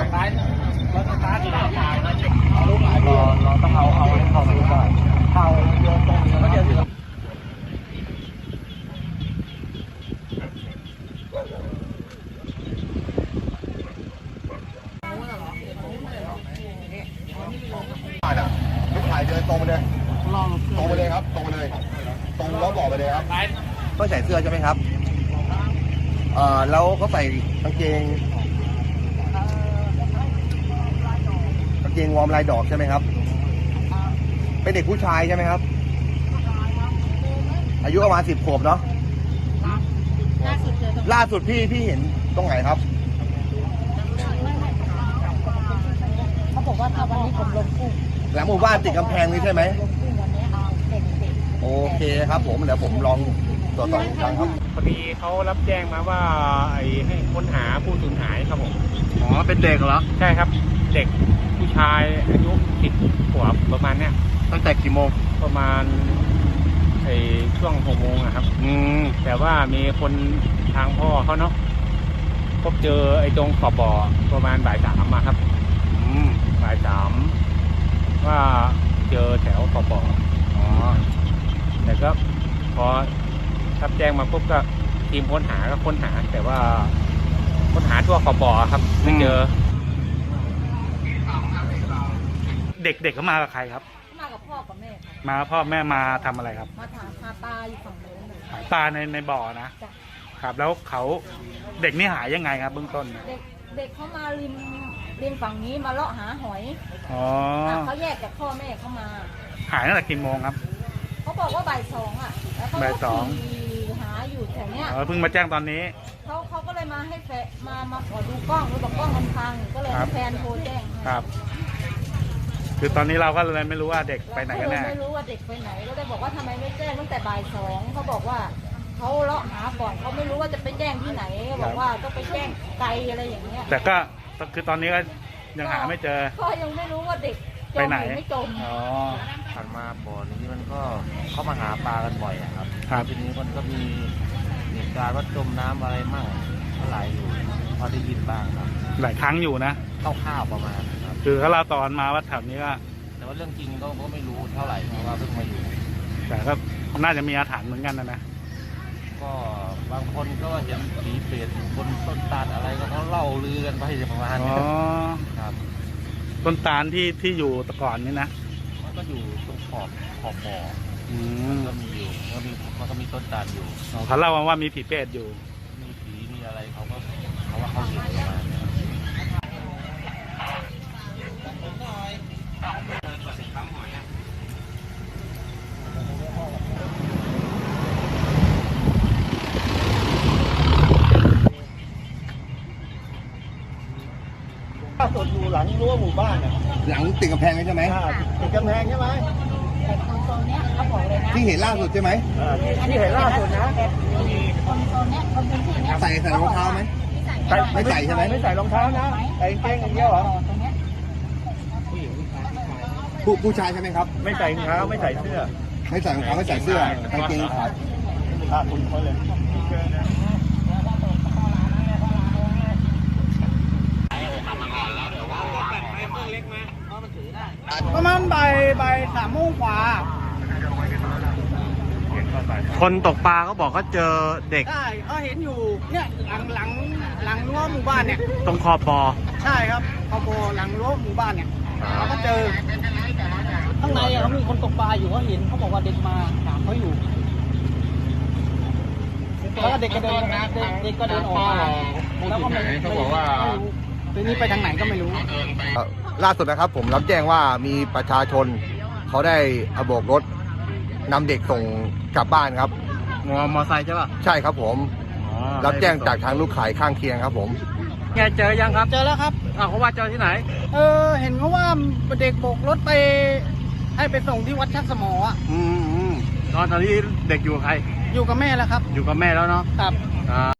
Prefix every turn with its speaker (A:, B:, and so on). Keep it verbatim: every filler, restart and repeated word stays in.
A: ซ้ายรถสตาร์ทได้รอรอต้องเอาเอาเข้าไปก่อนเข้าโยนตรงก็จะถึง
B: ลูกถ่ายเดินตรงไปเลยตรงไปเลยครับตรงไปเลยตรงแล้วบอกไปเลยครับก็ใส่เสื้อใช่ไหมครับเอ่อแล้วเขาใส่กางเกงกางเกงวอร์มลายดอกใช่ไหมครับเป็นเด็กผู้ชายใช่ไหมครับอายุประมาณสิบขวบเนาะล่าสุดพี่พี่เห็นตรงไหนครับ
C: เขาบอกว่าถ้าวันนี้ผมลงกุ้ง
B: หลังหมู่บ้านติดกำแพงนี้ใช่ไหม
C: ลงกุ้งวันนี้เอาเด็กเด็ก
B: โอเคครับผมเดี๋ยวผมลองตรวจสอบอีกครั้งครับ
A: พอดีเขารับแจ้งมาว่าไอ้ให้ค้นหาผู้สูญหายครับผม
B: อ๋อเป็นเด็กเหรอ
A: ใช่ครับเด็กผู้ชายอายุสิบขวบประมาณเนี้ย
B: ตั้งแต่กี่โมง
A: ประมาณไอ้ช่วงหกโมงอะครับ
B: อืม
A: แต่ว่ามีคนทางพ่อเขาเนาะพบเจอไอ้ตรงขอบบ่อประมาณบ่ายสามมาครับ
B: อืม
A: บ่ายสามว่าเจอแถวขอบบ่อ
B: อ๋อ
A: แต่ก็พอรับแจ้งมาปุ๊บก็ทีมค้นหาก็ค้นหาแต่ว่าค้นหาทั่วขอบบ่อครับไม่เจอ
D: เด็กๆเขามากับใครครับ
C: มากับพ่อกับแม่ครับ
D: มาพ่อแม่มาทำอะไรครับ
C: มาถามหาปลาอยู่ฝั่งโน้น
D: หาปลาในในบ่อนะ ครับแล้วเขาเด็กนี่หายยังไงครับเบื้องต้น
C: เด็กเด็กเขามาริมริมฝั่งนี้มาเลาะหาหอย
D: อ๋อ
C: เขาแยกจากพ่อแม่เขามา
D: หายตั้งแต่กี่โมงครับ
C: เขาบอกว่าบ่ายสองอ่ะแล้วเขาขี่หาอยู่แถวเนี้ย
D: เพิ่งมาแจ้งตอนนี้
C: เขาเขาก็เลยมาให้แฟมามาขอดูกล้องแล้วบอกกล้องมันพังก็เลยให้แฟนโทรแจ้ง
D: ครับคือตอนนี้เราก็เลยไม่รู้ว่าเด็กไปไหนกันแน่
C: ไม่รู้ว่าเด็กไปไหนก็เลยบอกว่าทำไมไม่แจ้งตั้งแต่บ่ายสองเขาบอกว่าเขาเลาะหาก่อนเขาไม่รู้ว่าจะไปแจ้งที่ไหนบอกว่าต้องไปแจ้งไกลอะไรอย่างเงี้ย
D: แต่ก็คือตอนนี้ก็ยังหาไม่เจอ
C: ก็ยังไม่รู้ว่าเด็ก
D: ไปไหน
C: ไม่จม
D: อ๋อ
B: ผ่านมาบ่อนี้มันก็เข้ามาหาปลากันบ่อยครับ
D: ครับ
B: ทีนี้มันก็มีเหตุการณ์ว่าจมน้ำอะไรมั่งเท่าไหร่อยู่พอได้ยินบ้างครับ
D: หลายครั้งอยู่นะ
B: คร่าวๆประมาณครับ
D: คือเขาเล่าตอนมาว่าแถวนี้ก็
B: แต่ว่าเรื่องจริงก็ก็ไม่รู้เท่าไหร่เพราะว่าเพิ่งมาอยู่
D: แต่ก็น่าจะมีอาถรรพ์เหมือนกันนะนะ
B: ก็บางคนก็เห็นผีเปรตบนต้นตาลอะไรก็เขาเล่าลือกันไปประมาณนี้ครับ
D: ต้นตาลที่ที่อยู่ตะก่อนนี่นะ
B: มันก็อยู่ตรงขอบขอบบ่อมันก็มีอยู่มันมีมันก็มีต้นตาลอยู่
D: เขาเล่าว่ามีผีเปรตอยู่
B: มีผีมีอะไรเขาก็เขาว่าเขาเห็นประมาณนี้ล่าสุดอยู่หลังรั้วหมู่บ้านเนี่ยหลังติดกำแพงใช่ไหมติดกำแพงใช่ไหม
C: ตรงนี้เขาบอกเลยนะ
B: ที่เห็นล่าสุดใช่ไหม
C: ที่เห็นล่าสุดนะคนตรงนี้คนพื้นที่นี้
B: ใส่ใส่รองเท้าไหมไม่ใส่ใช่ไหม
A: ไม่ใส่รองเท้านะใส่กางเกงอย่างเดียวเหรอ
B: ผู้ผู้ชายใช่ไหมครับ
A: ไม่ใส่รองเท้าไม่ใส่เสื้อ
B: ไม่ใส่รองเท้าไม่ใส่เสื้อกางเกงขาด
A: อ่าคุณเขาเลย
E: ประมาณบ่ายบ่ายสามโมงกว่า
D: คนตกปลาเขาบอกเขาเจอเด็ก
E: ใช่เขาเห็นอยู่เนี่ยหลังหลังหลังรั้วหมู่บ้านเนี่ย
D: ตรงคอปอ
E: ใช่ครับคอปอหลังรั้วหมู่บ้านเนี่ยเขาก็เจอข้างในเขามีคนตกปลาอยู่เขาเห็นเขาบอกว่าเด็กมาถามเขาอยู่แล้วก็เด็กก็เดินเด็กก็เดินออกมาแล้วก็ไม่เขาบอกว่าทีนี้ไปทางไหนก็ไม่รู้
B: ล่าสุดนะครับผมรับแจ้งว่ามีประชาชนเขาได้เอาโบกรถนำเด็กส่งกลับบ้านครับ
D: มอมอไซค์ใช่ป่ะ
B: ใช่ครับผมรับแจ้งจากทางลูกขายข้างเคียงครับผม
D: ไงเจอยังครับ
E: เจอแล้วครับ
D: อ้าวเขาว่าเจอที่ไหน
E: เออเห็นเขาว่าเด็กโบกรถไปให้ไปส่งที่วัดชักสมออ่ะ
D: อืมตอนตอนนี้เด็กอยู่กับใคร
E: อยู่กับแม่แล้วครับ
D: อยู่กับแม่แล้วเนาะ
E: ครับ